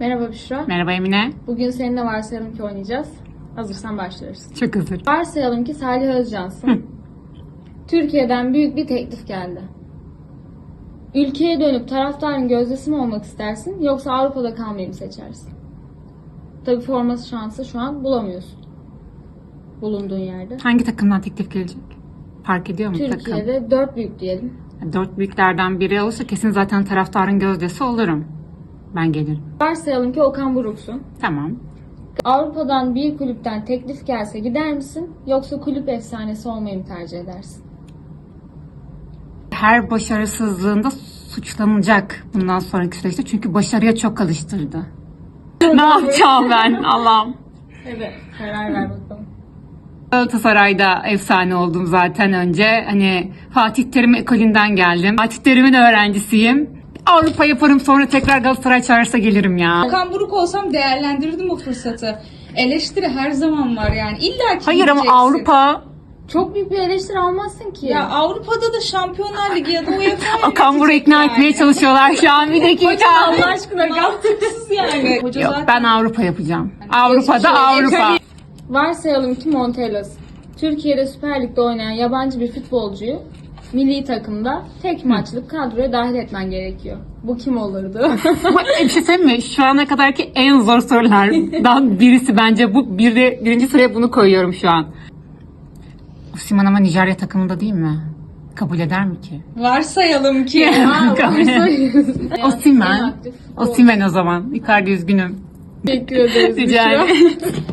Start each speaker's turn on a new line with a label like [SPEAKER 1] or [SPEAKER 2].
[SPEAKER 1] Merhaba Büşra.
[SPEAKER 2] Merhaba Emine.
[SPEAKER 1] Bugün seninle varsayalım ki oynayacağız. Hazırsan başlıyoruz.
[SPEAKER 2] Çok hazır.
[SPEAKER 1] Varsayalım ki Salih Özcan'sın. Türkiye'den büyük bir teklif geldi. Ülkeye dönüp taraftarın gözdesi mi olmak istersin yoksa Avrupa'da kalmayı mı seçersin? Tabii forması şansı şu an bulamıyorsun. Bulunduğun yerde.
[SPEAKER 2] Hangi takımdan teklif gelecek? Fark ediyor mu takım?
[SPEAKER 1] Türkiye'de 4 büyük diyelim.
[SPEAKER 2] 4 büyüklerden biri olursa kesin zaten taraftarın gözdesi olurum. Ben gelirim.
[SPEAKER 1] Varsayalım ki Okan Buruk'sun.
[SPEAKER 2] Tamam.
[SPEAKER 1] Avrupa'dan bir kulüpten teklif gelse gider misin yoksa kulüp efsanesi olmayı mı tercih edersin?
[SPEAKER 2] Her başarısızlığında suçlanacak bundan sonraki süreçte. Çünkü başarıya çok alıştırdı. Ne yapacağım ben Allah'ım.
[SPEAKER 1] Evet, karar ver bakalım.
[SPEAKER 2] Galatasaray'da efsane oldum zaten önce. Hani Fatih Terim ekolünden geldim. Fatih Terim'in öğrencisiyim. Avrupa yaparım, sonra tekrar Galatasaray çağırsa gelirim ya.
[SPEAKER 3] Okan Buruk olsam değerlendirirdim o fırsatı. Eleştiri her zaman var yani. İlla ki
[SPEAKER 2] Hayır ama
[SPEAKER 3] yiyeceksin.
[SPEAKER 2] Avrupa...
[SPEAKER 1] Çok büyük bir eleştiri almazsın ki.
[SPEAKER 3] Ya Avrupa'da da Şampiyonlar Ligi ya da UEFA'ya
[SPEAKER 2] Okan Buruk'u ikna etmeye çalışıyorlar şu an, bir dakika.
[SPEAKER 1] Allah aşkına
[SPEAKER 3] Mantıksız yani. Hoca
[SPEAKER 2] Yok,
[SPEAKER 3] zaten
[SPEAKER 2] ben Avrupa yapacağım. Avrupa'da
[SPEAKER 3] geçmiş
[SPEAKER 2] Avrupa.
[SPEAKER 1] Varsayalım ki Montelas. Türkiye'de Süper Lig'de oynayan yabancı bir futbolcuyu milli takımda tek maçlık kadroya dahil etmen gerekiyor. Bu kim olurdu?
[SPEAKER 2] Bir şey söyleyeyim mi? Şu ana kadarki en zor sorulardan birisi bence bu. Birinci sıraya bunu koyuyorum şu an. Osimhen ama Nijerya takımında değil mi? Kabul eder mi ki?
[SPEAKER 3] varsayalım ki.
[SPEAKER 2] Osimhen. Osimhen o zaman. Icardi üzgünüm.
[SPEAKER 1] Teşekkür ederiz.
[SPEAKER 2] Rica
[SPEAKER 1] Büşra.
[SPEAKER 2] ederim.